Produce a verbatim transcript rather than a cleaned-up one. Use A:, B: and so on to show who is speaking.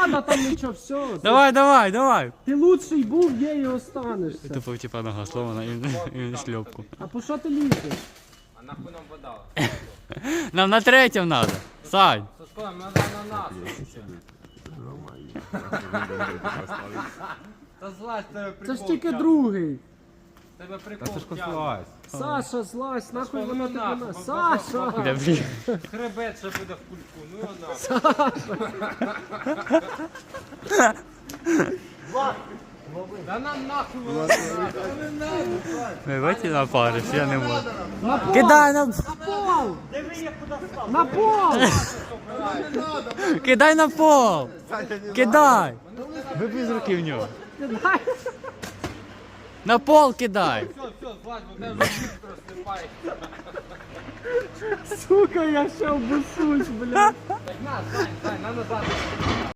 A: надо там нічого, все.
B: Давай, давай, давай.
A: Ти лучший був, є і останешся.
B: Тупо типа нога сломана і, і шльопку.
A: А по що ти лізеш?
C: А нахуй нам вода?
B: Нам на третьому надо. Сань.
C: Сашко, нам надо на нас. Та злазь, тебе прикол.
A: Це ж тільки
C: тягне.
A: другий.
C: Тебе прикол
D: Сашко,
C: тягне.
D: злазь.
A: Саша, злазь, нахуй
C: Сашко,
A: воно
C: ну
A: тебе
C: нахуй,
A: на...
C: бо-
A: Саша!
C: бо-
B: Бля, блін.
C: Хребет ще буде в кульку, ну його нахуй. Да нам нахуй воно не надо.
B: Ми бачите на пари, я не можу.
A: На пол!
B: Кидай на...
A: На пол! На пол!
B: Кидай на пол! Кидай! Вибий з руки в нього.
A: Кидай!
B: На пол кидай!
C: Все, все, злазь, бо тебе вже швидко розсипає.
A: Сука, я ще обусусь, блядь.
C: Так на, Сань, Сань, на назад.